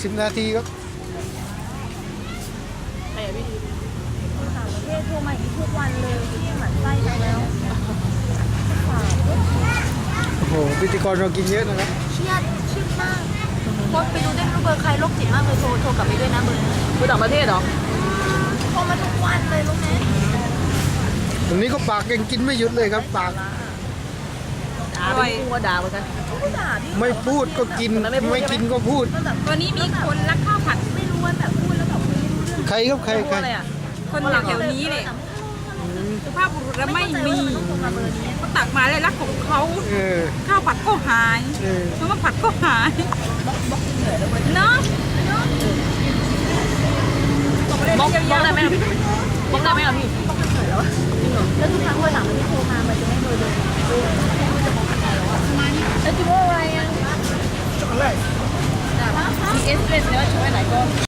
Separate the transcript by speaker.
Speaker 1: 60 นาทีครับ
Speaker 2: แต่พี่
Speaker 3: ต่างประเทศโทรมาอย่างนี้ทุกวันเลยที่หมั่นไส้จังแล้ว
Speaker 1: โอ้โหพิธีกรเรากินเยอะนะครับ
Speaker 3: เครียดมากโพสต์ไปดูได้ไม่รู้เบอร์ใครโรคจิตมากเลยโทรกลับไปด้วยนะเบอร์นั้น
Speaker 2: คือต่างประเทศเหรอ
Speaker 3: โทรมาทุกวันเลยรู้ไหม
Speaker 1: ตรงนี้ก็ปากยังกินไม่หยุดเลยครับปาก
Speaker 2: ด่าไปพูดว่าด่าเหมือนกัน
Speaker 3: ผู้ด่าพี่
Speaker 1: ไม่พูดก็กินไม่กินก็พูด
Speaker 3: มันแบบ
Speaker 4: วันนี้มีคนรักข้าวผัด
Speaker 3: ไม่รู้ว่าแบบพูดแล้วแบบคุยไม่รู้เรื่อง
Speaker 1: ใครครับใคร
Speaker 2: พูด
Speaker 1: ใคร
Speaker 2: อะไรอ่ะ
Speaker 4: คนแถวๆนี้เลยสุภาพบุรุษไม่มี
Speaker 3: ต้องโทรมาเบอร์นี้
Speaker 4: เขาตักมาเลยรักของเขา
Speaker 1: เออ
Speaker 4: ข้าวผัดก็หาย
Speaker 1: เออ
Speaker 4: เพราะว่าผัดก็หายเนาะ
Speaker 2: บล็อกได้ไหมพี่บล็อกได้ไหมล่ะพี่
Speaker 3: แล้วทุกครั้งวันหลังมันไม่โทรมามันจะไม่เบอร์เดิมแล้วจะว่าอะไรอ่ะ
Speaker 2: มีเอสเปรสแล้วช่วยไหนก็